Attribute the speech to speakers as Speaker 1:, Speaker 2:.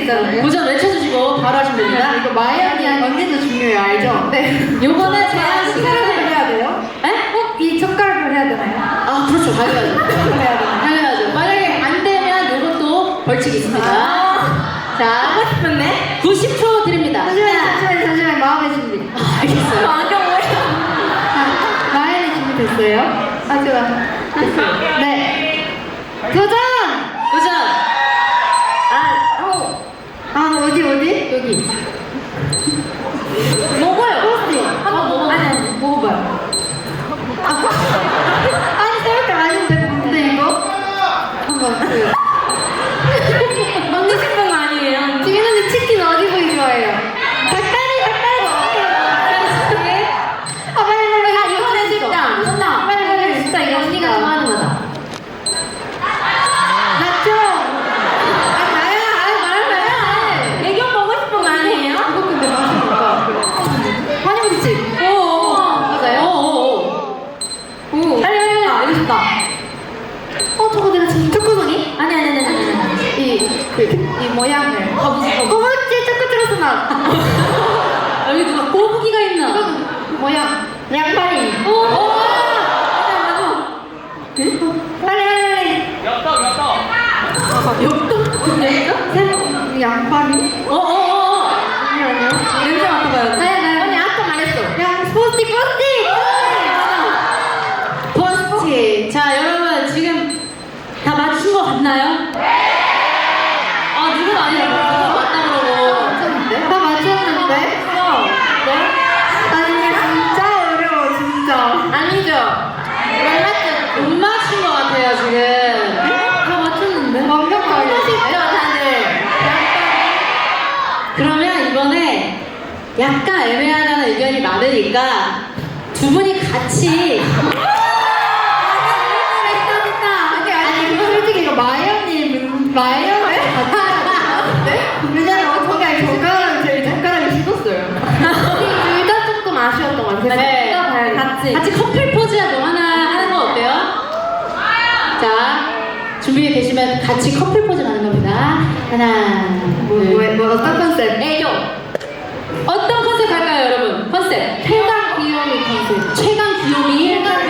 Speaker 1: 있잖아요.
Speaker 2: 도전 외쳐주시고 바로 하시면 됩니다.
Speaker 1: 이거 마이언이 언니도 중요해요, 알죠? 네.
Speaker 2: 요거는 제가
Speaker 1: 젓가락을 해야 돼요?
Speaker 2: 에?
Speaker 1: 꼭 이 젓가락을 해야 되나요?
Speaker 2: 아 그렇죠, 당연하죠.
Speaker 1: 해야 되나요?
Speaker 2: 당연하죠. 만약에 안 되면 요것도 벌칙이 있습니다. 자,
Speaker 1: 하고 싶은데?
Speaker 2: 90초 드립니다.
Speaker 1: 잠시만, 마음의 준비.
Speaker 2: 알겠어요.
Speaker 1: 안경 뭐야? 마이언이 준비됐어요? 아, 좋아. 됐어요. 네. 도전!
Speaker 2: 도전!
Speaker 1: 어디?
Speaker 2: 여기. 먹어요.
Speaker 1: 토스트.
Speaker 2: 한번 먹어봐.
Speaker 1: 아니, 먹어봐요. 아니, 쌀때 아닌데, 뭔데, 이거? 한번 먹고 싶은 거 아니에요? 지민 언니 치킨 어디 부위 좋아해요? 닭다리! 아, 빨리. 이거는 진짜. 진짜. 빨리. 진짜 이거 언니가 좋아하는 거다. 맞죠? 아, 나야. 애교 먹고 싶은 거 아니에요? 이거 근데 맛이 뭘까? 환영집. 맞아요? 오. 빨리. 이거 좋다. 저거 내가 지금 초코송이? 아니. 이 모양을. 거북지 초코트로스 맛.
Speaker 2: 여기 누가 꼬부기가 있나?
Speaker 1: 모양. 양파리. 빨리. 엽떡. 양파리? 잠시만요.
Speaker 2: 냄새 맡아봐요.
Speaker 1: 언니 아까 말했어. 포스틱.
Speaker 2: 포스트. 자, 여러분 지금 다 맞춘 거 같나요? 아, 누군 아니야. 누가 맞다 그러고.
Speaker 1: 다 맞췄는데? 네? 아니 진짜 어려워 진짜. 아니죠?
Speaker 2: 못 맞춘 거 같아요, 지금.
Speaker 1: 다 맞췄는데? 완벽하게 쉽죠 다들.
Speaker 2: 그러면 이번에 약간 애매하다는 의견이 많으니까 두 분이 같이
Speaker 1: 아니 이거 솔직히 이거 마이언을 왜냐면 어떻게 젓가락을 씹었어요. 둘 다 조금 아쉬웠던 것 같아요.
Speaker 2: 네.
Speaker 1: 둘다 봐야겠다.
Speaker 2: 같이 커플 포즈라도 하나 하는 거 어때요? 자, 준비되어 계시면 같이 커플 포즈 가는 겁니다. 하나, 둘.
Speaker 1: 어떤 컨셉?
Speaker 2: 애교. 어떤 컨셉 할까요, 여러분? 컨셉.
Speaker 1: 최강 귀요미 컨셉.
Speaker 2: 최강 귀요미.